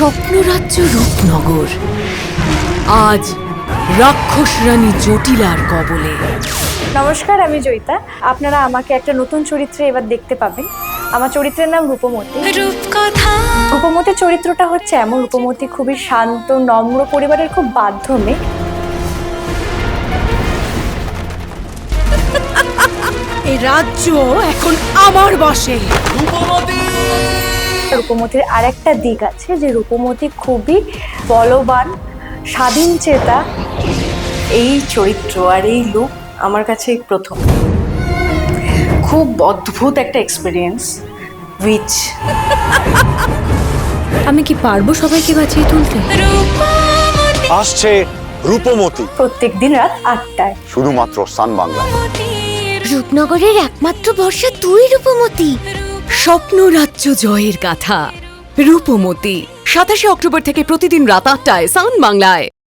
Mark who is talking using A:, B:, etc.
A: স্বপ্নরাজ্য রূপনগর আজ রাক্ষস রানী জটিলার কবলে।
B: নমস্কার, আমি জয়িতা। আপনারা আমাকে একটা নতুন চরিত্রে এবার দেখতে পাবেন। আমার চরিত্রের নাম রূপমতি। রূপমতির চরিত্রটা হচ্ছে এমন, রূপমতি খুবই শান্ত, নম্র, পরিবারের খুব বাধ্য মেয়ে।
A: এই রাজ্য এখন আমার বশে।
B: রূপমতির আরেকটা দিক আছে যে রূপমতি খুবই বলবান, স্বাধীন চেতা।
C: এই চরিত্র আর এই লুক আমার কাছে প্রথম। খুব অদ্ভুত একটা এক্সপিরিয়েন্স। উইচ
A: আমি কি পারবো সবাইকে বাঁচিয়ে তুলতে?
D: আসছে রূপমতি
B: প্রত্যেকদিন রাত 8টায়।
D: শুধুমাত্র সান বাংলায়।
A: রূপনগরের একমাত্র ভরসা তুই রূপমতি। স্বপ্নরাজ্য জয়ের গাথা রূপমতি 27শে অক্টোবর থেকে প্রতিদিন রাত 8টায় সান বাংলায়।